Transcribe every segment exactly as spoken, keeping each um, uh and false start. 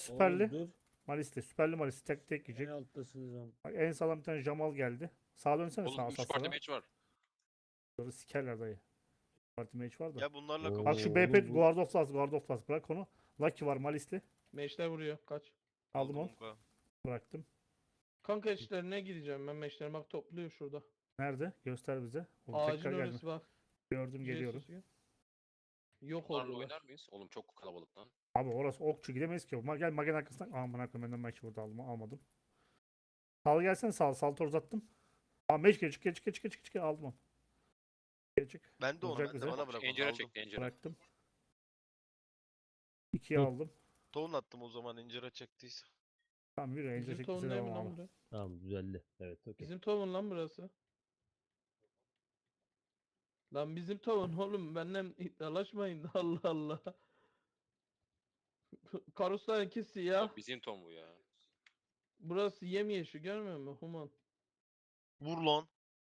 süperli. Oğlum dur. Malisli. Süperli Malisli. Tek tek En yiyecek. alttasınız lan. Bak, en sağlam bir tane Jamal geldi. Sağa dönsene Oğlum sağa üç parti saslara. match var. Sonra sikerler dayı. Parti match var da. Ya bunlarla Oo. Bak şu kapışın. B P oğlum bu- Guard of Last. Guard of Last. Bırak onu. Lucky var Malisli. Meşler vuruyor. Kaç. Aldım onu. Onka. Bıraktım. Kanka işlerine gideceğim ben meşler bak topluyor şurada. Nerede? Göster bize. Oğlum Ağacın tekrar gelme. orası bak. Gördüm geliyorum. Jesus gibi. Yok Bunlarla oldular. oynar mıyız? Oğlum çok kalabalık lan. Abi orası okçu gidemeyiz ki. Ma- Gel magen arkasından. Aman akım benden maçı burada aldım. Almadım. Sal gelsene sal. Saltı uzattım. Aa meç gel çık gel çık gel çık gel çık çık aldım onu. Gel çık. Ben de onu Vuracak ben de bize. bana bırak onu Encere aldım. çekti encere. Bıraktım. ikiyi Hı. aldım. Tohum attım o zaman incire çektiyse. Tamam yürü. Angel Bizim çekti tohum değil mi devam lan abi. burası? Tamam düzeldi. Evet okey. Bizim tohum lan burası. Lan bizim tohum oğlum benden iddialaşmayın da Allah Allah. Karuslar iki siyah. Oğlum bizim Tom bu ya. Burası yemyeşil görmüyor musun Human? Vur lan.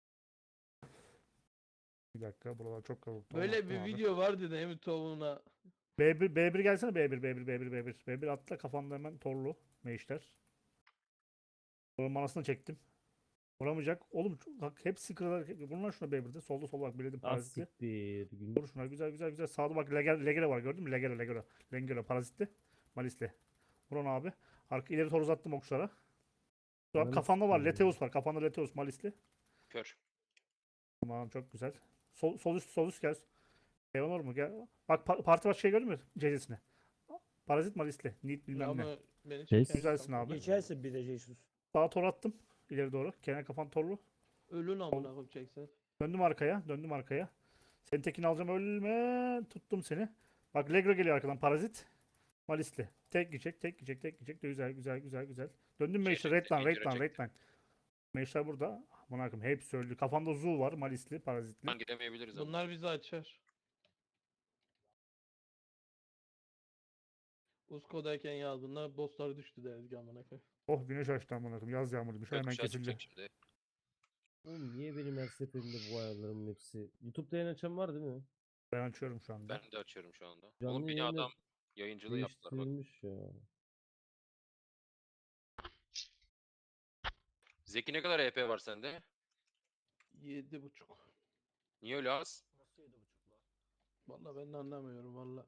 Bir dakika buralar çok kalabalık. Böyle Tamam, bir abi. video vardı değil mi tohumuna? B bir, B bir gelsene B bir, B bir, B bir, B bir. B bir atla kafanda hemen torlu. Meşler. Bunun manasını çektim. Vuramayacak. Oğlum şu- bak hepsi kırılır. Bunlar şuna B birde. Solda sol bak biledim parazitli. Asiktir. Gün... Vur şuna güzel güzel güzel. Sağda bak Leger, Legere var gördün mü? Legere Legere. Legere parazitli. Malisli. Vur onu abi. Arka ileri tor uzattım okçulara. Şu an Ananı kafanda var. sikeyim. Leteus var. Kafanda Leteus Malisli. Kör. Tamam çok güzel. Sol, sol üst sol üst gel. Evanor mu? Gel. Bak pa- parti başı şey gördün mü? C C'sini. Parazit Malisli. Nit bilmem ne. Ama beni Şey- çeken Güzelsin kanka. abi. Geçersin bir de Jesus. Sağa tor attım. İleri doğru. Kenar kafan torlu. Ölün amına koyayım çeksen. Döndüm arkaya. Döndüm arkaya. Senin tekini alacağım ölme. Tuttum seni. Bak Legro geliyor arkadan. Parazit. Malisli. Tek gidecek. Tek gidecek. Tek gidecek. Güzel güzel güzel güzel. Döndüm Şey Meşler. çekti, Red line. Red incire line. Red çekti. line. Meşler burada. Buna bakayım. Hepsi öldü. Kafanda Zul var. Malisli. Parazitli. Lan gidemeyebiliriz ama. Bunlar bizi açar. Usko'dayken yazdığında bosslar düştü deriz ki amına koyayım. Oh güneş açtı amına koyayım. Yaz yağmuruymuş. Hemen Gökkuşağı kesildi. çıkacak şimdi. Oğlum niye benim her seferinde bu ayarlarımın hepsi? YouTube'da yayın açan var değil mi? Ben açıyorum şu anda. Ben de açıyorum şu anda. Canlı Oğlum beni yayında adam yayıncılığı yaptılar bak. Değiştirilmiş ya. Zeki ne kadar E P var sende? Yedi buçuk. Niye öyle az? Vallahi ben de anlamıyorum valla.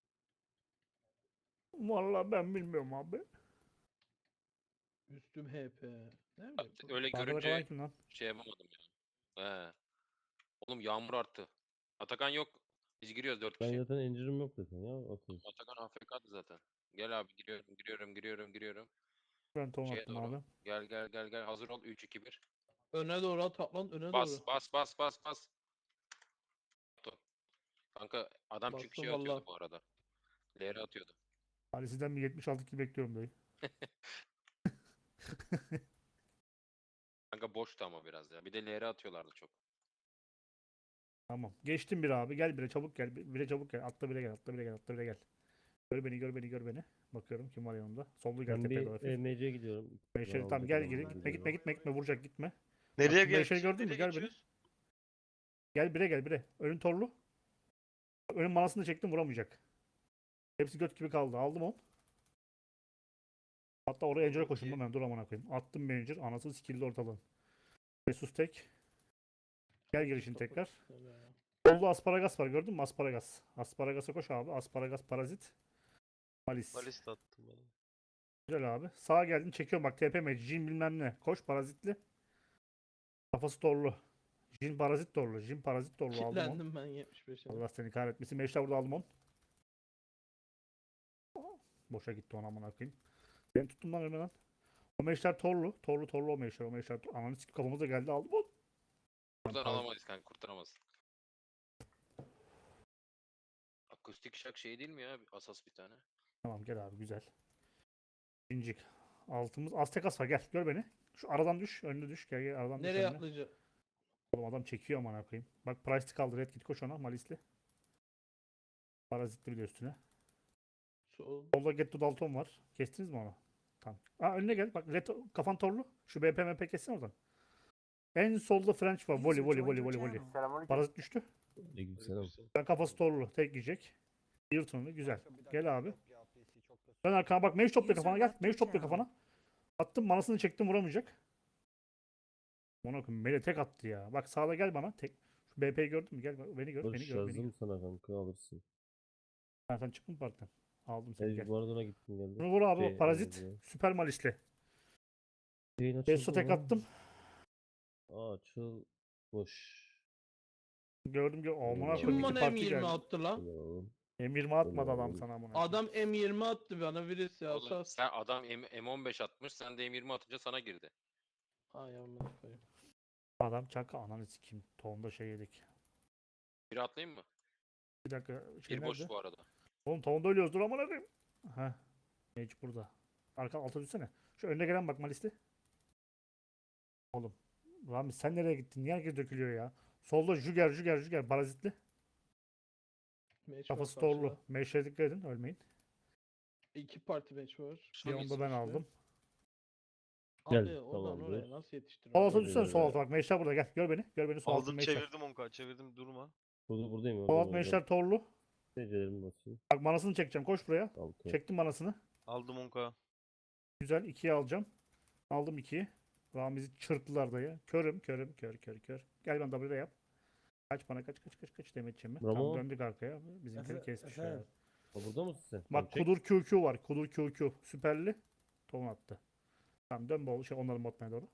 Vallahi ben bilmiyorum abi. Üstüm H P. Ne Bak, bileyim. öyle Arkada kalan görünce kim lan? şey yapamadım ya. He. Oğlum yağmur arttı. Atakan yok. Biz giriyoruz dört Ben kişi. zaten engine'im yok zaten ya. Atıyoruz. Atakan A F K'dı zaten. Gel abi giriyorum giriyorum giriyorum giriyorum. Ben ton Şeye attım doğru. abi. Gel gel gel gel hazır ol üç iki bir. Öne doğru at at lan öne Bas doğru. bas bas bas bas. Kanka adam çünkü Bastım şey atıyordu vallahi. bu arada. L R atıyordu. Hani sizden bir yetmiş altı kill bekliyorum dayı. Kanka boştu ama biraz ya. Bir de L R atıyorlardı çok. Tamam. Geçtim bir abi. Gel bire çabuk gel. Bire çabuk gel. Atla bire gel. Atla bire gel. Atla bire gel. Gör beni gör beni gör beni. Bakıyorum kim var yanımda. Sollu gel Ben tepeye bir doğru. hafif. E M C'ye gidiyorum. Beşeri Yalnız tamam gel adamlar geri. Gitme geliyor. gitme gitme gitme. Vuracak gitme. Nereye Bak, gel? Beşeri gördün mü? Nereye Gel beni. geçiyoruz? Gel bire gel bire. Önün torlu. Önün manasını çektim vuramayacak. Hepsi göt gibi kaldı. Aldım onu. Hatta oraya Angel'a koşun iyi. ben dur amına koyayım. Attım bir Angel. Anasını sikildi ortalığın. Jesus tek. Gel girişin tekrar. Solda asparagas var gördün mü? Asparagas. Asparagas'a koş abi. Asparagas parazit. Malis. Balist attım bana. Güzel abi. Sağa geldin çekiyorum bak T P M. Jin bilmem ne. Koş parazitli. Kafası torlu. Jin parazit torlu. Jin parazit torlu aldım onu. Kilitlendim ben yetmiş beşe. Allah seni kahretmesin. Meşler burada aldım onu. Boşa gitti ona amına koyayım. Ben tuttum lan ölmeden. O meşler torlu. Torlu torlu o meşler. O meşler torlu. Ananı sikip kafamıza geldi aldım onu. Buradan Pardon. alamayız kanka kurtaramaz. Akustik şak şey değil mi ya? Asas bir tane. Tamam gel abi güzel. İncik. Altımız Aztekas var gel gör beni. Şu aradan düş. Önüne düş. Gel gel aradan düş Nereye önüne. atlayacak? Oğlum adam çekiyor amına koyayım. Bak Price'ı kaldı. Red git koş ona. Malisli. Parazitli bir de üstüne. Sol. Solda Getto Dalton var. Kestiniz mi onu? Tamam. Aa önüne gel. Bak Red kafan torlu. Şu B P M P kessin oradan. En solda French var. Volley volley volley volley volley. Parazit düştü. Aleykümselam. Ben kafası torlu. Tek yiyecek. Yırtınlı. Güzel. Gel abi. Dön arkana bak. Mage topla User kafana gel. left Mage your topla channel. kafana. Attım manasını çektim vuramayacak. Ona koyayım. Mele tek attı ya. Bak sağda gel bana. Tek. Şu B P'yi gördün mü? Gel bak, beni gör. Beni Barış gör. Beni gör. yazdım sana kanka alırsın. Ha, sen çıktın partiden. Aldım seni gel. Evet, bu arada ona gittim geldim. Bunu vur abi. Şey, Parazit. e, Süper malisli. Yayın Besto açıldı tek mı? attım. Aa, açılmış. Gördüm ki amına Kim koyayım Kim iki bana parti M yirmi geldi. attı lan? Tamam. M yirmi atmadı adam Tamam. sana amına koyayım. Adam M yirmi attı bana birisi ya. Oğlum, Sas. sen adam M- M15 atmış, sen de M yirmi atınca sana girdi. Ay amına koyayım. Adam çaka ananı sikeyim. Tohumda şey yedik. Bir atlayayım mı? Bir dakika şey Bir boş nerede? bu arada. Oğlum tohumda ölüyoruz dur amına koyayım. Heh. Mage burada. Arka alta düşsene. Şu önüne gelen bak malisti. Oğlum. Rami sen nereye gittin? Niye herkes dökülüyor ya? Solda Jüger Jüger Jüger parazitli. Match var Kafası karşıda. torlu. Mage'e dikkat edin ölmeyin. İki parti match var. Bir onu da ben aldım. Abi Gel, oradan tamamdır. oraya nasıl Sol yetiştiriyorsun? alta düşsene sol Ee, alta bak. Mage'ler burada gel. Gör beni. Gör beni sol altın Aldım Mage'ler. çevirdim onka. Çevirdim durma. Burada buradayım. Sol oradayım, alt oradayım. Mage'ler torlu. Seyircilerimi basayım. Bak manasını çekeceğim. Koş buraya. Altı. Çektim manasını. Aldım onka. Güzel. ikiyi alacağım. Aldım ikiyi. Ramiz'i çırptılar dayı. Körüm, körüm, kör, kör, kör. Gel ben W'de yap. Kaç bana kaç kaç kaç kaç demetçim mi? Tamam Bravo. döndük arkaya. Bizimkileri Efe- kesmiş ya. efendim? Ha, burada mısın sen? Bak Tamam, çek. Kudur Q Q var. Kudur Q Q. Süperli. Ton attı. Tamam dön bol şey onların botmaya doğru.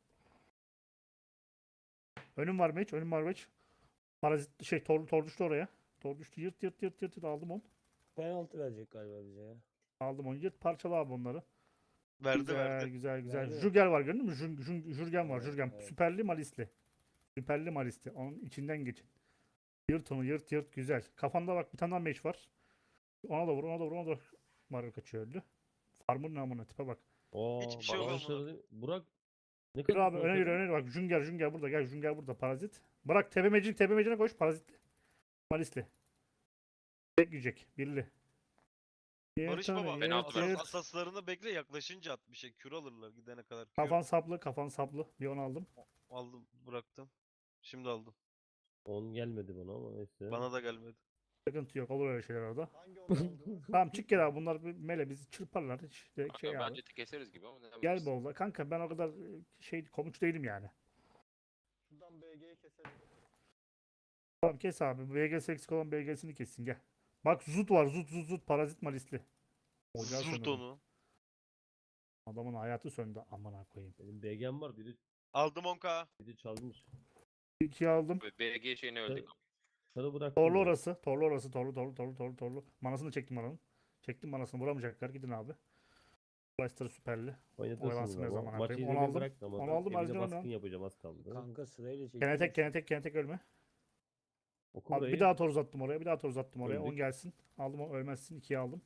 Önüm var meç. Önüm var meç. Parazit şey tor, tor düştü oraya. Tor düştü. Yırt yırt yırt yırt, yırt. Aldım onu. Penaltı verecek galiba bize ya. Aldım onu. Yırt parçala abi onları. Verdi güzel, verdi. güzel güzel. Verdi mi? Jürgen var gördün mü? Jür, jür, Jürgen var. Evet, Jürgen. evet. Süperli malisli. Süperli malisli. Onun içinden geçin. Yırt onu yırt yırt güzel. Kafanda bak bir tane daha meç var. Ona da vur ona da vur ona da vur. Mario kaçıyor öldü. Farmın namına tipe bak. Aa, Hiçbir şey yok bana ama. söyledi. Burak ne Yürü kadar abi öne yürü öne yürü. Bak Jünger Jünger burada. Gel Jünger burada. Parazit. Bırak tepe mecin tepe mecine koş. Parazitli. Malisli. Tek yiyecek. Birli. Barış Yırt onu, baba. Ben yırt, aldım. yırt. Asaslarını bekle yaklaşınca at bir şey. Kür alırlar gidene kadar. Kür. Kafan saplı. Kafan saplı. Bir onu aldım. Aldım bıraktım. Şimdi aldım. on gelmedi bana ama neyse. Bana da gelmedi. Sıkıntı yok. Olur öyle şeyler orada. Tamam çık gel abi. Bunlar bir mele bizi çırparlar. Hiç direkt Kanka, şey abi. bence keseriz gibi ama ne Gel bilirsin. bolda. Kanka ben o kadar e, şey komut değilim yani. Şuradan B G'yi keselim. Tamam kes abi. B G S eksik olan B G'sini kessin gel. Bak Zut var. Zut Zut Zut. Parazit malisli. Ocağı Zurt söndürdüm. onu. Adamın hayatı söndü. Amına koyayım. Benim B G'm var biri, Aldım onka. biri çalmış. İkiyi aldım. Ve B G şeyine öldük. Sarı bıraktım. Torlu ya. orası. Torlu orası. Torlu torlu torlu torlu torlu. Manasını çektim mananın. Çektim manasını. Vuramayacaklar. Gidin abi. Leicester süperli. Oynatırsınız Oyalansın ne ama. zaman Maçı yapayım. yine Onu bir aldım. bıraktım ama Onu ben aldım, evine harcamam baskın ya. yapacağım az kaldı. Kanka sırayla çekiyor. Gene tek gene tek gene tek ölme. Oku Abi burayı. bir daha tor uzattım oraya. Bir daha tor uzattım oraya. on Öldük. gelsin. Aldım o ölmezsin. ikiyi aldım.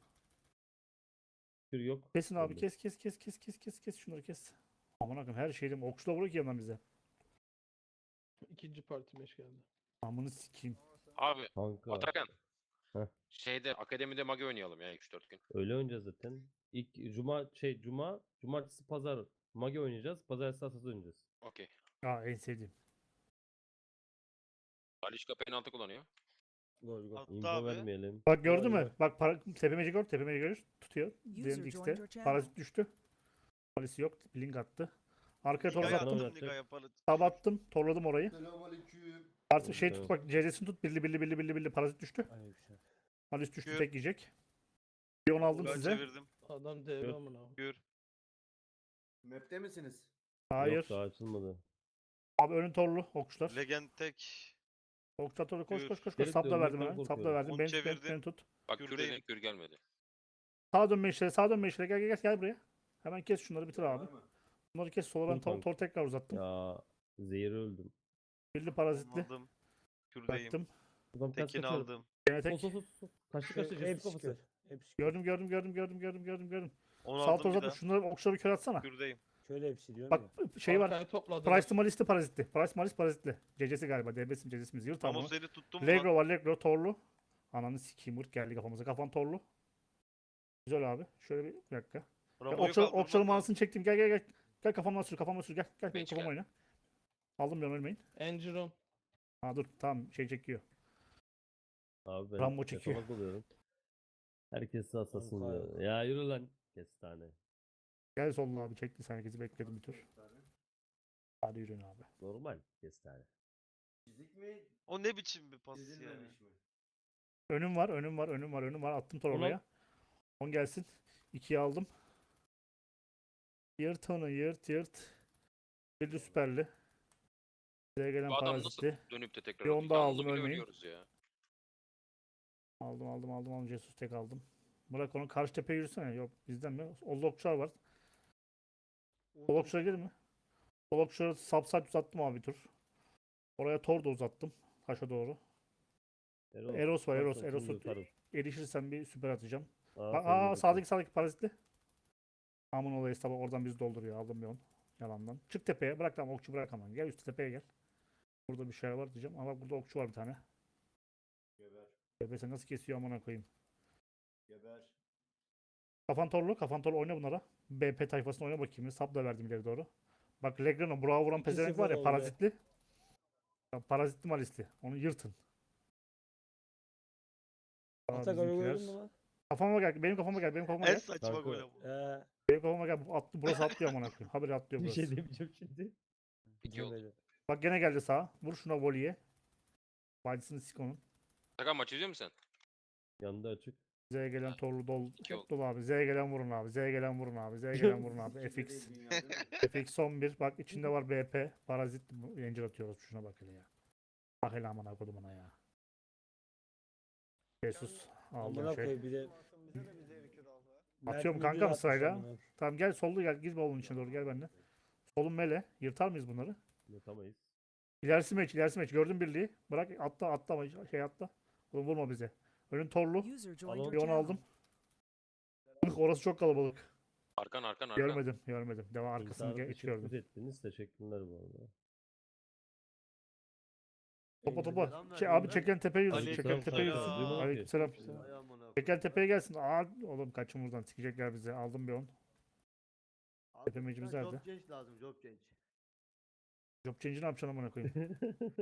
Kür yok. Kesin abi Öldük. kes kes kes kes kes kes kes şunları kes. Aman akım her şeyim okçula vuruyor ki yandan bize. İkinci parti match geldi. Amını sikeyim. Abi Kanka. Atakan. Heh. Şeyde akademide mage oynayalım ya üç dört gün. Öyle oynayacağız zaten. İlk cuma şey cuma, cumartesi pazar mage oynayacağız. Pazartesi asas oynayacağız. Okey. Aa en sevdiğim. Alişka penaltı kullanıyor. Gol gol. Attı Info abi. vermeyelim. Bak gördün Vay mü? be. Bak para, tepemeci gör. Tepemeci görür. Tutuyor. User Diğerinde joined X'te. your channel. Parazit düştü. Polisi yok. Link attı. Arkaya tor Ligaya Sana uzattım. attım oynatacak. ligaya para. Tab attım. Torladım orayı. Selamünaleyküm. Artık şey Evet, tut bak. C Z'sini tut. Birli birli birli birli birli. Parazit düştü. Aleykümselam. Parazit düştü. Gör. Tek yiyecek. Bir onu aldım Ben size. çevirdim. Adam dev Yok. amına. Gör. Map'te misiniz? Hayır. Yok daha açılmadı. Abi önün torlu. Okçular. Legend tek. Okçular torlu. Koş Gör. koş koş. koş. Gerek Sapla dönmek verdim ben hemen. Sapla korkuyorum. verdim. Onu Beni, beni, çevirdim. beni tut. Bak kür Kürdeyim. dedik kür gelmedi. Sağa dönme işleri. Sağa dönme işleri. Gel gel gel. Gel buraya. Hemen kes şunları bitir abi. Var mı? Bunları kes. Sonra Dur tor, kanka. tor tekrar uzattım. Ya zehir öldüm. Birli parazitli. Aldım. Kürdeyim. Baktım. Buradan ters Tekini kaçıyorum. aldım. Gene Sol tek. sol sol. sol. Kaçtı Şu- kaçtı. Jesus Hepsi kafası. kör. Hepsi kör. Gördüm gördüm gördüm gördüm gördüm gördüm gördüm. Onu Sağ tor aldım bir uzatma. daha. Şunları okçuları bir kör atsana. Kürdeyim. Şöyle hepsi diyorum Bak ya. şey var. Arkaya topladı. Price Malis'te parazitli. Price Malis parazitli. C C'si galiba. D B'si C C'simiz. Yırt Ama tamam. seni tuttum mu lan? Legro var. Legro torlu. Ananı sikeyim. Vırt geldi kafamıza. Kafan torlu. Güzel abi. Şöyle bir, bir dakika. Ya, Ramo'yu okçalı, kaldırmam okçalı lazım. manasını çektim. Gel gel gel. Gel kafamdan sür. Kafamdan sür. Gel. Gel benim Beş kafama gel. oyna. Aldım ben ölmeyin. Engiron. Ha dur. Tamam şey çekiyor. Abi ben Rambo çekiyor. yatalak oluyorum. Herkes asasın Kanka diyor. Ya yürü lan. Kestane. Gel soluna abi çekti sen herkesi bekledim bir tur. Hadi yürüyün abi. Normal kestane. Çizik mi? O ne biçim bir pas ya? Çizilmemiş mi? Önüm var önüm var önüm var önüm var attım tor Ulan. oraya. on gelsin. ikiyi aldım. Yırt onu yırt yırt. Birli süperli. Size gelen Bu adam nasıl parazitli. dönüp de tekrar Bir atıyor? onu daha Yalnız aldım, bile ölmeyin. ölüyoruz ya. Aldım aldım aldım aldım. Jesus tek aldım. Bırak onu karşı tepeye yürüsene. Yok bizden mi? Ollokçular var. Ollokçulara gelir mi? Ollokçulara subside uzattım abi bir tur. Oraya tor da uzattım. Taşa doğru. Eros, Eros var, Eros, varsa Eros'u şimdi yutarım. erişirsen bir süper atacağım. Aa, Aa, seni aa yutarım. sağdaki sağdaki parazitli. Aman olayı sabah oradan bizi dolduruyor. Aldım bir on. Yalandan. Çık tepeye. Bırak lan okçu bırak aman. Gel üst tepeye gel. Burada bir şey var diyeceğim. Ama burada okçu var bir tane. Geber. Bebese nasıl kesiyor amına koyayım. Geber. Kafan torlu. Kafan torlu oyna bunlara. B P tayfasını oyna bakayım. Sap da verdim ileri doğru. Bak Legrano. Burak'a vuran iki pezevenk var sıfır ya oldu. parazitli. Ya, parazitli malisli. Onu yırtın. Aa, Atak bizimkiler. gördün mü lan? Kafama gel. Benim kafama gel. Benim kafama En gel. saçma Kanka. gol ama. Ee, Benim kafama gel. Bu Atlı, burası atlıyor amına koyayım. Haberi atlıyor Bir burası. şey demeyeceğim şimdi. İki oldu. demedi. Bak gene geldi sağa. Vur şuna voleye. Bacısını sik onun. Atakan maç izliyor musun sen? Yanında açık. Z'ye gelen Ha, torlu dol. iki Hep oldu. dolu abi. Z'ye gelen vurun abi. Z'ye gelen vurun abi. Z'ye gelen vurun abi. İkide F X. değil dünya değil mi? F X on bir. Bak içinde var B P. Parazit. Ranger atıyoruz. Şuna bak hele ya. Bak hele amına kodumuna ya. Jesus. Aldım Amına şey. koy bir de. Bize de bize ülke dalga. Atıyorum Mert kanka Müldür mı sırayla? atmış amına. Tamam gel sollu gel. Girme oğlun içine doğru gel benimle. Solun mele. Yırtar mıyız bunları? Yutamayız. İlerisi meç. ilerisi meç. Gördün birliği. Bırak atla atla ama şey atla. Oğlum vurma bize. Önün torlu. User joined Alon. your Bir onu channel. aldım. Ih, orası çok kalabalık. Arkan arkan arkan. Görmedim, görmedim. Devam arkasını İnternet ge- hiç teşebbüs gördüm. ettiniz. Teşekkürler bu arada. Topa Elinize topa. selam Şey, verdim abi ben. çeken tepeye yürüsün. Aleyküm Çeken tepeye selam. yürüsün. Duymadım ki. Aleykümselam. Ay amına. Çeken tepeye gelsin. Aa oğlum kaçın buradan. Sikecekler bizi. Aldım bir on. Tepemecimiz nerede? Job change lazım job change. Job change'i ne yapacaksın amına koyayım?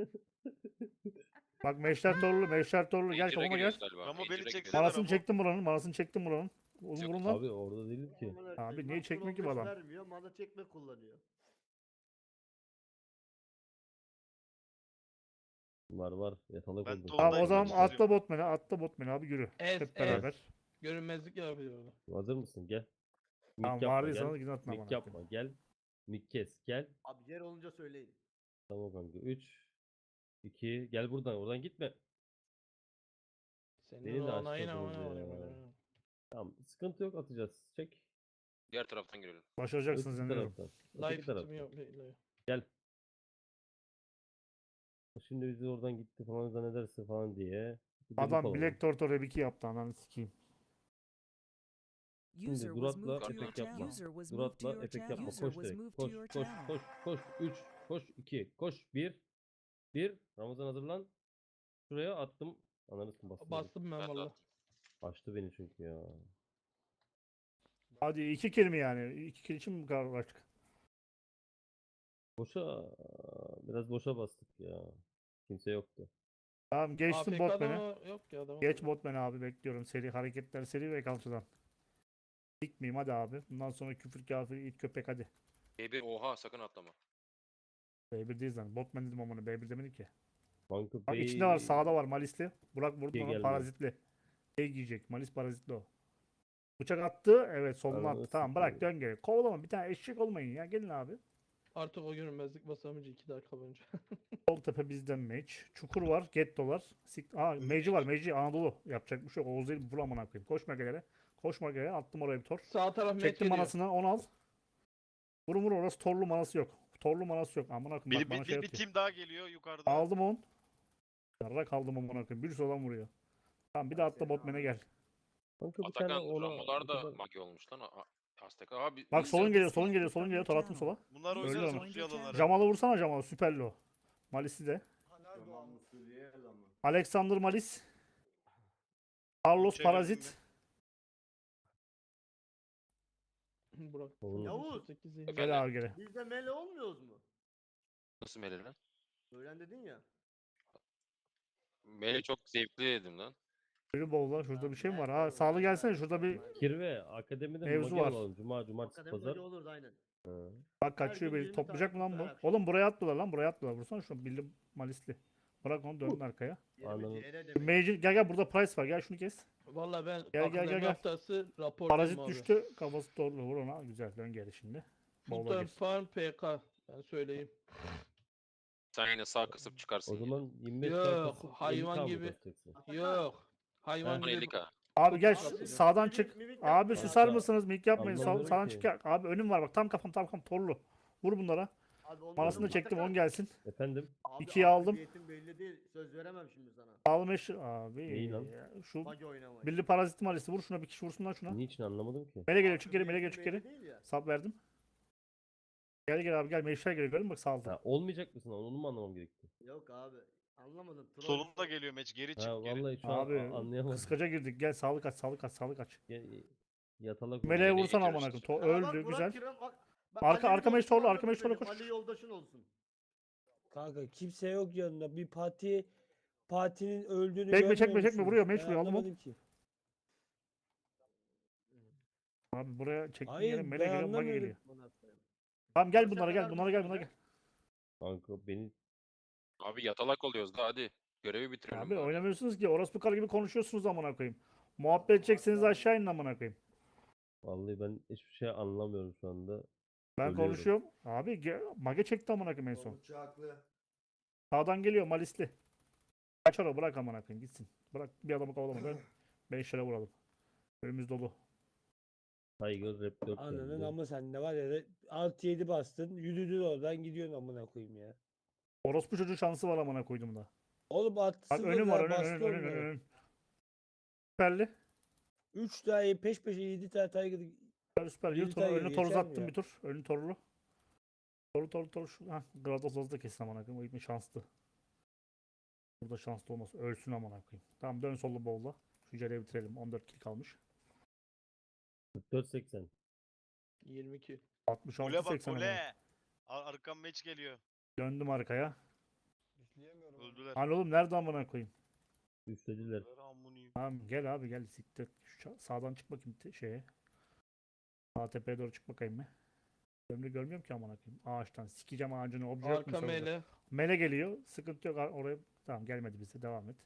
Bak Meşler Torlu, Meşler Torlu. Gel Ranger'a kafama gel. giriyoruz galiba. Ramo beni Ranger'a çeksene. giriyoruz. Manasını Ramo. çektim buranın. Manasını çektim buranın. Oğlum Yok. vurun lan. Abi orada değilim ki. Amına Abi koyayım, niye bak, çekmiyor ki bu on beş adam? Vermiyor, mana çekme kullanıyor. Var var. Yatalak Ben oldum. Tolga- Tamam o Vallahi zaman ben atla çiziyorum. botman'e, atla botman'e abi yürü. Ez, Hep ez. beraber. Görünmezlik yapıyor orada. Hazır mısın? Gel. Mik Tamam yapma vardı gel. sana gidin atma Mik amına yapma koyayım. gel. Mik kes gel. Abi yer olunca söyleyin. Tamam kanka. üç iki gel buradan. Oradan gitme. Senin Beni de onayın açmadınız amına ya. koyayım. Tamam. Sıkıntı yok atacağız. Çek. Diğer taraftan girelim. Başaracaksınız Öteki inanıyorum. taraftan. Live Öteki fitimi taraftan. yok. bekle. Gel. Şimdi bizi oradan gitti falan zannedersin falan diye. Bir delik Adam olalım. Black Tortor R iki yaptı ananı sikeyim. User was Durat'la moved to your efekt yapma. channel. User was moved to Durat'la your efekt channel. yapma. User Koş was direkt. moved to Koş your koş channel. koş koş. üç koş iki koş bir bir Ramazan hazırlan. Şuraya attım. Ananı kim bastı? Bastım ben Ben de valla. attım. Açtı beni çünkü ya. Hadi iki kill mi yani? İki kill için mi bu kadar uğraştık? Boşa biraz boşa bastık ya. Kimse yoktu. Tamam geçtim A F K'da botman'e. mı? Yok ya adam. Geç botman'e abi bekliyorum. Seri hareketler seri ve kalçadan. Dikmeyeyim hadi abi. Bundan sonra küfür kafir it köpek hadi. B bir oha sakın atlama. B bir değil zaten. Botman dedim amına. B bir demedik ki. Banka Bak Pay- içinde var sağda var Malisli. Burak vurdu Şey ona geldi. parazitli. Şey giyecek. Malis parazitli o. Bıçak attı. Evet soluna Ananı attı. Tamam bırak sikeyim. dön geri. Kovalama bir tane eşek olmayın ya. Gelin abi. Artık o görünmezlik basamayınca iki dakika boyunca. Sol tepe bizden mage. Çukur var. Gettolar. Sik Aa Mage'i var. Mage'i Anadolu. Yapacak bir şey yok. Oğuz değil. Vur amına koyayım. Koşma gelere. Koşma gelere. Attım oraya bir tor. Sağ taraf met Çektim geliyor. manasını. On al. Vurun vur orası torlu manası yok. Torlu manası yok. Amına koyayım. Bir, Bak bana bir, şey bir, bir atıyor. team daha geliyor yukarıda. Aldım on. Yarrak kaldım amına koyayım. Bir olan vuruyor. Tamam bir de atla botman'e gel. Banka bir tane Atakan ona Ramolar o da kadar- magi olmuş lan. A- Aztek abi. Bak biz- solun geliyor. Solun geliyor. Solun geliyor. Tor attım sola. Bunlar User Öyle oynuyor ama. Rusya yalanları. Jamal'a vursana Jamal'a. Süperli o. Malis'i de. Ha nerede o Tamam amına? Suriye adamı. Alexander Malis. Carlos Çevirdim Parazit. Burak. Oğlum. Yavuz. sekiz zehir. Efendim? Gel abi gel. Biz de mele olmuyoruz mu? Nasıl mele lan? Öğren dedin ya. Mele çok zevkli dedim lan. Yürü bowl'a. Şurada bir şey mi var? Nerede Ha oğlum? sağlı Nerede gelsene. oğlum? Şurada bir Kirve akademide Mevzu magi var. alalım. Cuma, cumartesi, Akademi pazar. böyle olurdu aynen. Ha. bak Her kaçıyor gün beni. yirmi Toplayacak mı tane lan kutu bu? her akşam. Oğlum buraya attılar lan. Buraya attılar. Vursana şunu. Bildim malisli. Bırak onu döndün arkaya. Anladım. yirmi C R demek. Major gel gel burada price var. Gel şunu kes. Valla ben gel, gel, akademi gel. haftası raporluyum Parazit abi. düştü. Kafası doğru vur ona. Güzel. Dön geri şimdi. Bowl'a Sultan gir. Farm P K. Ben söyleyeyim. Sen yine sağ kısıp çıkarsın. O yine. zaman yirmi beş Yok, dakikası hayvan elli K mı gibi. basacaksın? Yok. Hayvan Ha. gibi. elli K. Abi gel Çok şu- kasıyor. sağdan Mimik- çık. mimik Abi yapma. susar Kanka, mısınız? Mik yapmayın. Sağ, anlamadım sağdan ki. çık. Abi önüm var bak. Tam kafam tam kafam torlu. Vur bunlara. Abi onların Manasını çektim. Atakan- on gelsin. Efendim? Abi İkiyi aldım. aktiviyetin belli değil. Söz veremem şimdi sana. Sağlı meşhur. Abi. Neyi lan? Şu Magi oynamayı. birli parazit malisi. Vur şuna bir kişi vursun lan şuna. Niçin anlamadım ki? Mele geliyor. Çık geri. Mele geliyor. Çık Aktiviyetin geri. belli değil ya. Sap verdim. Gel gel abi gel. Meşler geliyor. Görün bak sağlı. Ha, olmayacak mısın? Onu mu anlamam gerekti? Yok abi. Anlamadım. Troll Solunda işte. geliyor meç geri çık Ha geri. vallahi şu Abi an a- anlayamadım. kıskaca girdik. Gel sağlık aç. Sağlık aç. Sağlık aç. Gel, yatalak Meleğe oldu. Meleğe vursan geçiyoruz amına işte. koyayım. To- Aa bak, Öldü. Burak Güzel. Kiram, bak. Bak, Arka- Ali arka Yoldaş'ın meş torlu, var arka meş torlu benim, koş. Ali yoldaşın olsun. Kanka kimse yok yanında. Bir parti partinin öldüğünü Çekme, görmüyor çekme, çekme, musunuz? vuruyor, meç Ben vuruyor, aldım onu. anlamadım ki. Abi buraya çektiğin Hayır, yere mele ben geliyor. Mage anlamıyorum. geliyor. Buna koyayım. Tamam gel Boşa bunlara gel. kadar Bunlara gel. düştün Bunlara be. gel. Kanka beni Abi yatalak oluyoruz da hadi. Görevi bitirelim. Abi bari. oynamıyorsunuz ki. Orospu karı gibi konuşuyorsunuz amına koyayım. Muhabbet edecekseniz aşağı inin amına koyayım. vallahi ben hiçbir şey anlamıyorum şu anda. Ben Ölüyorum. konuşuyorum. Abi ge- mage çekti amına koyayım en son. Davutçu haklı. Sağdan geliyor malisli. Kaçar o bırak amına koyayım gitsin. Bırak bir adamı kovalama. Ben beş lira vuralım. Önümüz dolu. Tiger Rap dört Ananın geldi. ama sen ne var ya artı yedi bastın yürüdün oradan gidiyorsun amına koyayım ya. Orospu çocuğu şansı var amına koydum da. Oğlum artı Bak sıfır önüm var ver önün bastı önün önün onları. önün. Süperli. üç tane peş peşe yedi tane Tiger Süper süper. Yırt onu. Militer Önünü geliyor, toru geçer mi uzattım ya? bir tur. Önü torlu. Toru toru toru. Şu, hah. Grados hızlı kesin amına koyayım. O gitmiş şanslı. Burada şanslı olmaz. Ölsün amına koyayım. Tamam dön sollu bowl'la. Şu cereyi bitirelim. on dört kill kalmış. kırk dört seksen. yirmi iki. altmış altı Gole bak seksen amına. gole. Ar- Arkam meç geliyor. Döndüm arkaya. Öldüler. Hani oğlum nerede amına koyayım? Üçlediler. Öldüler, amınıyım. Tamam gel abi gel siktir. Şu ça- sağdan çık bakayım te- şeye. Sağ tepeye doğru çık bakayım mı? Ömrü görmüyorum ki amına koyayım. Ağaçtan sikeceğim ağacını. Obje yok mu Arka serverda? mele. Mele geliyor. Sıkıntı yok. Ar- Oraya tamam gelmedi bize. Devam et.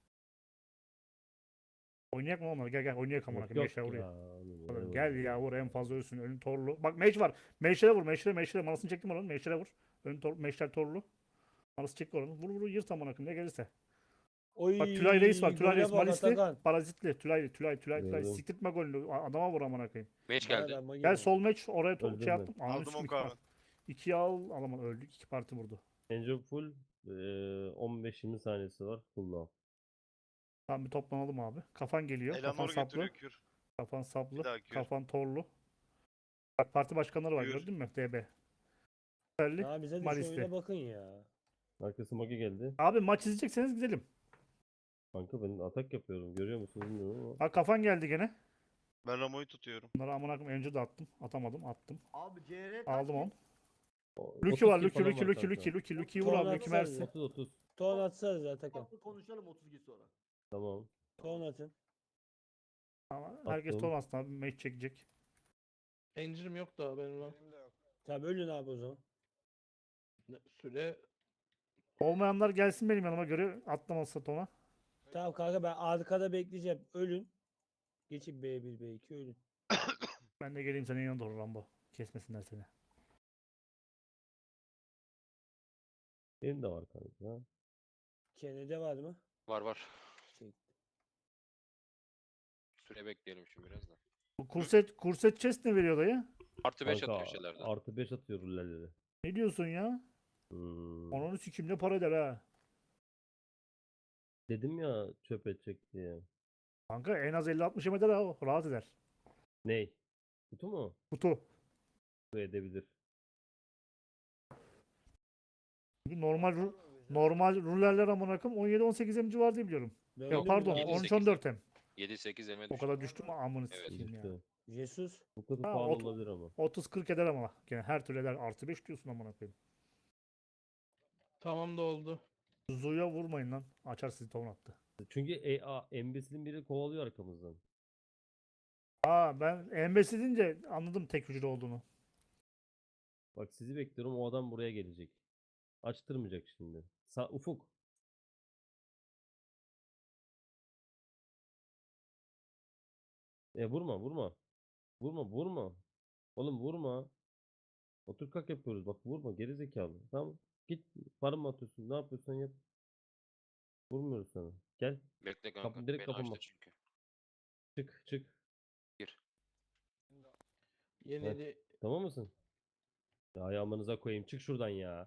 Oynayak mı onları? Gel gel oynayak amına Yok koyayım. yok Meşler oraya. ya. oğlum, Oğlum eyvallah. gel ya vur en fazla ölsün. Önün torlu. Bak meş var. Meşlere vur. Meşlere meşlere. Manasını çektim oranın. Meşlere vur. Ön tor meşler torlu. Manası çek oranın. Vur vur yırt amına koyayım. Ne gelirse. Oy, Bak Tülay Reis var. Tülay gole Reis. bak Malisli. Atakan. Parazitli. Tülay Tülay Tülay Tülay. Gördüm. Siktirtme golünü. A- Adama vur amına koyayım. Meç Bana geldi. da magi Gel var. sol meç. Oraya to- Öldüm şey ben. attım. Ananı Aldım sikeyim, o iki par- karnı. İkiyi al. Alamadım. Öldük. İki parti vurdu. Angel full. eee, on beş yirmi saniyesi var. Full down. Tamam bir toplanalım abi. Kafan geliyor. Kafan Eleanor saplı. götürüyor kür. Kafan saplı. daha kür. Kafan torlu. Bak parti başkanları var Buyur. gördün mü? D B. Süperli. Ya bize de şu Malisli. oyuna bakın ya. Arkası magi geldi. Abi maç izleyecekseniz gidelim. Kanka ben atak yapıyorum. Görüyor musunuz bilmiyorum ama. Bak kafan geldi gene. Ben Ramo'yu tutuyorum. Bunları amına koyayım önce de attım. Atamadım attım. Abi C R Aldım onu. O- Lucky otuz var kill Lucky falan Lucky var Lucky kanka. Lucky Lucky Lucky'yi vur Ton abi Lucky atsana. Mersi. otuz otuz. Ton atsanız Atakan. Tatlı konuşalım otuz gün sonra. Tamam. Ton atın. Ama herkes Attım. ton aslında abi match çekecek. Encirim yok daha benim lan. Tamam ölün abi o zaman. Ne- Süre Olmayanlar gelsin benim yanıma göre atlamazsa tona. Tamam kanka ben arkada bekleyeceğim. Ölün. Geçin B bir B iki ölün. Ben de geleyim senin yanına doğru Rambo. Kesmesinler seni. Benim de var kanka. Kenede var mı? Var var. Çek. Süre bekleyelim şimdi biraz da. Bu kurset, kurset chest ne veriyor dayı? Artı beş Kanka, atıyor şeylerden. artı beş atıyor rullerleri. Ne diyorsun ya? Hmm. Onun sikimle para eder ha. Dedim ya çöp edecek diye. Kanka en az elli altmış eder ha o. Rahat eder. Ney? Kutu mu? Kutu. Bu edebilir. Çünkü normal ru- normal rulerler amına koyayım on yedi on sekiz em civarı diye biliyorum. Ben Yok öldüm pardon ya. yedi, on üç sekiz. on dört em. yedi sekiz eme O düştü. kadar düştü mü amını Evet. sikeyim ya. Düştü. Jesus. Bu kadar Ha, pahalı ot- olabilir ama. otuz kırk eder ama. Gene her türlü eder. Artı beş diyorsun amına koyayım. tamam da oldu. Zuya vurmayın lan. Açar sizi ton attı. Çünkü e, a, embesilin biri kovalıyor arkamızdan. Aa ben embesi deyince anladım tek hücre olduğunu. Bak sizi bekliyorum, o adam buraya gelecek. Açtırmayacak şimdi. Sa Ufuk. E vurma vurma. Vurma vurma. Oğlum vurma. Otur kalk yapıyoruz. Bak vurma geri zekalı. Tamam. Git farm mı atıyorsun? Ne yapıyorsan yap. Vurmuyoruz sana. Gel. Bekle Kapı, kanka. direkt Beni kapıma. açtı çünkü. Çık çık. Gir. Yenili Tamam mısın? Ya ayağımınıza koyayım. Çık şuradan ya.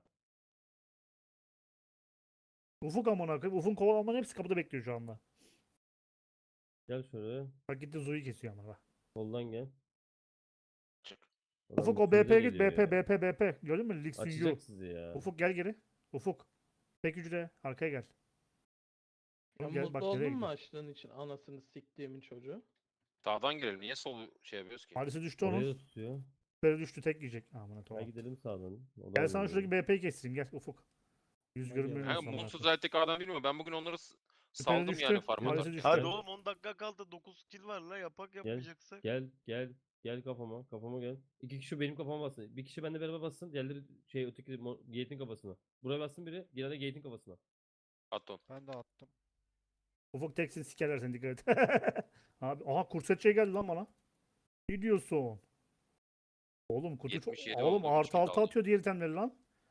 Ufuk amına koyayım. Ufuk'un kovalanmanın hepsi kapıda bekliyor şu anda. Gel şöyle. Bak gitti Zu'yu kesiyor ama bak. Soldan gel. Çık. Adam Ufuk o üstümüze B P'ye git. geliyor B P ya. B P B P. Gördün mü? Lig Yu. Açacak sizi ya. Ufuk gel geri. Ufuk. Tek hücre. Arkaya gel. sen Gel, mutlu bak nereye oldun mu gidiyor. açtığın için anasını siktiğimin çocuğu? Sağdan girelim. Niye sol şey yapıyoruz ki? Malisi düştü Oraya onun. da tutuyor. Böyle düştü tek yiyecek. Amına Gel tamam. gidelim sağdan. O da Gel aynı sana şuradaki böyle. B P'yi kestireyim. Gel Ufuk. Yüz Hadi görünmüyor ya. Ha, musun amına Mutsuz koyayım? zaten adam bilmiyorum. Ben bugün onları s- Süper saldım düştü. yani farm Maalesef atarken. düştü. Hadi Gel. oğlum on dakika kaldı. dokuz kill var la. Yapak yapmayacaksak. Gel gel. Gel kafama. Kafama gel. İki kişi benim kafama bassın. Bir kişi benimle beraber bassın. Diğerleri şey öteki mo- gate'in kafasına. Buraya bassın biri. Diğeri de gate'in kafasına. At onu. Ben de attım. Ufuk teksin sikerler seni dikkat et. Abi aha kursetçe geldi lan bana. Ne diyorsun? Oğlum kutu çok... yetmiş yedi Oğlum oldu, üç artı kill altı aldım. atıyor diğer itemleri lan.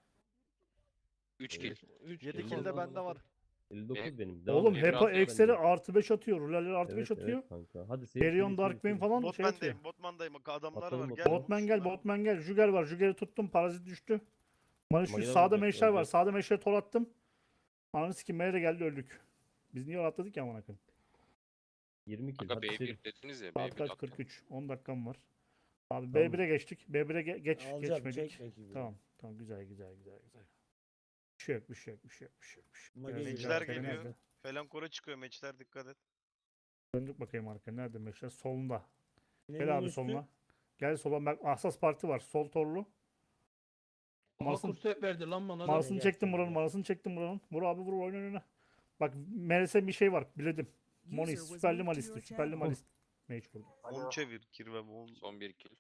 üç kill. üç yedi kill kill de oldu bende amına var. elli dokuz Benim- benim. Devam Oğlum et. Emre Hepa atıyor Excel'i bende. artı beş atıyor. Ruller'leri artı beş Evet, atıyor. evet kanka. Hadi save, Perion save, Dark save, Bane save. falan şey atıyor. Botman'dayım. Botman'dayım. Adamlar Atladım, var. Gel. atladım. Botman gel, vursunlar. Botman gel. Jüger var. Jüger'i tuttum. Parazit düştü. Bana şu Mageler sağda vuracak, meşler var. vuracak. Sağda meşleri tor attım. Ananı sikim Mele de geldi öldük. Biz niye atladık ya amına koyayım? yirmi kill. Kanka Hadi B save. bir dediniz ya. Saat B bir kaç? attım. kırk üç. on dakikam var. Abi Tamam. B bir'e geçtik. B bir'e ge- geç Alacağım. geçmedik. Çek rakibi. Tamam. Tamam güzel güzel güzel güzel. Bir şey yok, bir şey yok, bir şey yok, bir şey yok. Bir şey yok. Mage Biraz geliyor. güzel, Meciler Kerem geliyor. nerede? Falan kora çıkıyor meçler dikkat et. Döndük bakayım arkaya. Nerede meşler? Solunda. Neyin Gel abi üstü? soluna. Gel sola. Bak Ahsas Parti var. Sol torlu. Aha Masın, kurset verdi lan bana da. Manasını gel, çektim sen buranın. gel. Manasını çektim buranın. Vur abi vur oyna oyna. Bak Meres'e bir şey var. Biledim. Moni süperli malisti. Süperli malist. Mage vurdu. On çevir kirvem on. Son bir kill.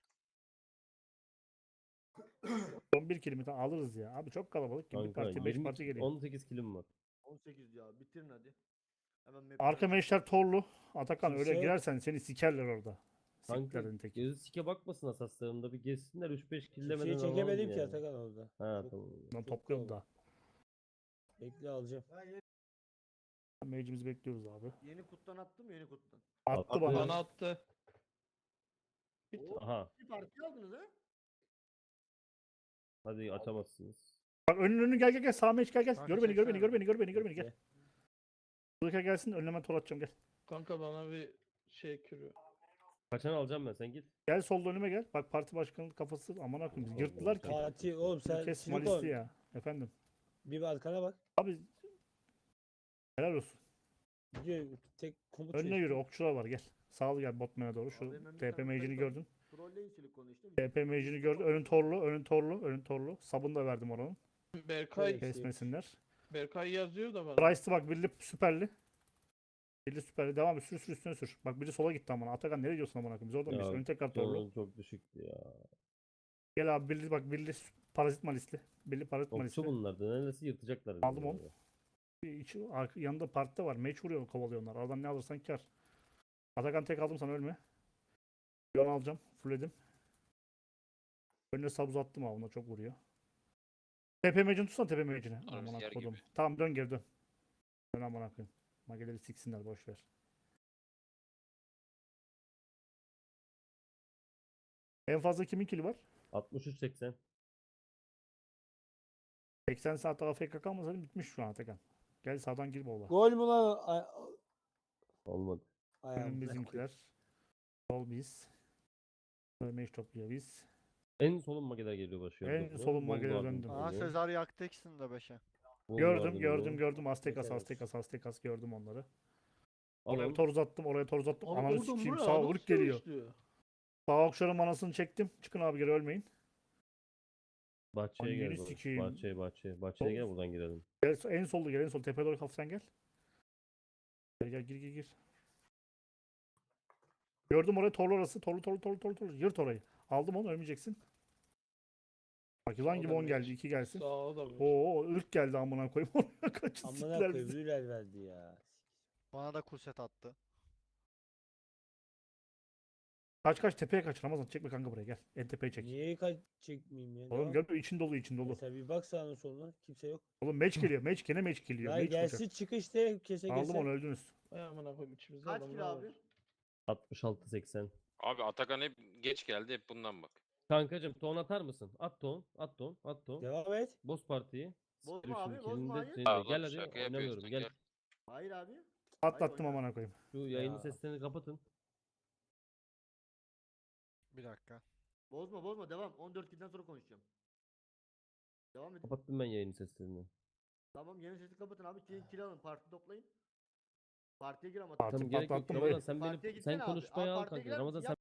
Son bir kilimi alırız ya. Abi çok kalabalık ki. Bir Kanka parti beş yirmi parti geliyor. on sekiz killim var. on sekiz ya. Bitirin hadi. Hemen map Arka meşler torlu. Atakan Kimse öyle yok. girersen seni sikerler orada. Kanka Siklerin teki. gözü sike bakmasın asaslarında bir gezsinler üç beş killemeden Kimseyi alalım çekemedim ki yani. Atakan orada. Ha Çok- tamam. Ben çok topluyorum kalabalık. da. Bekle alacağım. Mage'imizi bekliyoruz abi. Yeni kuttan attım yeni kuttan. Attı Attı. bana. Bana attı. Oo, Aha. bir parti aldınız ha? Hadi açamazsınız. Bak önün önün gel gel gel. Sağ mage gel gel. Kanka Gör beni gör beni çeksene. gör beni gör beni gör beni gel. Bekle. Buraya gelsin önüme tor atacağım gel. Kanka bana bir şey kürü. Kaçan alacağım ben sen git. Gel solda önüme gel. Bak parti başkanının kafası aman akım Allah yırttılar ki. Allah. Fatih oğlum sen Kes Silikon. malisti ya. Efendim. Bir arkana bak. Abi helal olsun. Gidiyor tek komut Önüne şey. yürü okçular var gel. Sağ ol gel botmana doğru. Şu Abi hemen bir T P tane mage'ini buradayım. gördün. Trolleyin silikonu işte. T P mage'ini gördün. Önün torlu, önün torlu, önün torlu. Sabun da verdim oranın. Berkay Evet. Kesmesinler. Berkay yazıyor da bana. Price'ı bak birli süperli. Birli süperli. Devam et. Sür sür üstüne sür. Bak biri sola gitti amına. Atakan nereye gidiyorsun amına koyayım? Biz oradan Ya, mıyız? Önü tekrar torlu. Canım çok düşüktü ya. Gel abi birli bak birli parazit malisli. Birli parazit malisli. Okçu bunlardı. Neredeyse yırtacaklar. Aldım bizi onu. böyle. Bir içi, arka, yanında partide var. Mage vuruyor kovalıyor onlar. Aradan ne alırsan kar. Atakan tek aldım sana ölme. Yon alacağım. Fullledim. Önüne sabuz attım abi. Ona çok vuruyor. Tepe mage'ini tutsana tepe mage'ini. Arası Aman yer kodum. gibi. Tamam dön geri dön. Dön aman akıyım. Mageleri siksinler boş ver. En fazla kimin kili var? altmış üç seksen. seksen saat A F K kalmasaydın bitmiş şu an Atakan. Gel sağdan gir bola. Gol mü lan? Ay, Olmadı. ayağım. Önüm bizimkiler. Sol biz. Mage topluyor biz. En solun mageler geliyor başlıyor. En Bakın, solun mageler Volgarden döndüm. Aa oluyor. Sezar yaktı ikisini de beşe. Gördüm Volgarden gördüm oluyor. gördüm. Aztekas Yeter olsun. Aztekas Aztekas gördüm onları. Al, Oraya al. bir tor uzattım oraya tor uzattım. Abi Ananı oradan sikeyim buraya sağ adam vuruk geliyor. sürüştü. Sağ okşarın manasını çektim. Çıkın abi geri ölmeyin. Bahçeye Anneni gel. baba. sikeyim. Bahçeye bahçeye. Bahçeye gel buradan girelim. Gel, en solda gel en sol tepeye doğru hafiften gel. Gel gel gir gir gir. Gördüm orayı, torlu orası. Torlu torlu torlu torlu torlu. Yırt orayı. Aldım onu, ölmeyeceksin. Bak yılan gibi Sağda on geldi. bir- iki gelsin. Sağ da bir. Oo ırk geldi amına koyayım. Oraya kaçın Amına siktiler koyayım bizi. Rüler verdi ya. Bana da kurset attı. Kaç kaç tepeye kaç. Ramazan çekme kanka buraya gel. En tepeye çek. Niye kaç çekmeyeyim ya? Oğlum Devam. görmüyor, için dolu için dolu. Mesela bir bak sağına soluna kimse yok. Oğlum match geliyor. Match gene match geliyor. Ya Match gelsin olacak. çık işte kese Aldım kese. onu, öldünüz. Ay amına koyayım içimizde Kaç adamlar kilo var. abi? altmış altı seksen. Abi Atakan hep geç geldi, hep bundan bak. Kankacım ton atar mısın? At ton. At ton. At ton. Devam et. Boz partiyi. Bozma Sikerim abi, şimdi bozma, kendini de hayır. seni de. Ya Gel oğlum, hadi şaka oynamıyorum yapıyorsun, gel. gel. Hayır abi. Atlattım oyna. amına koyayım. Şu yayının Ya. seslerini kapatın. Bir dakika. Bozma bozma devam. on dört kilden sonra konuşacağım. Devam edin. Kapattım ben yayının seslerini. Tamam yeni sesi kapatın abi. Kill, kill alın. Parti toplayın. Partiye gir ama. Parti Tamam gerek yok. patlattım Ramazan dayı. sen Partiye beni gitsene sen abi. konuşmaya Abi al partiye kanka. girer Ramazan misin? sen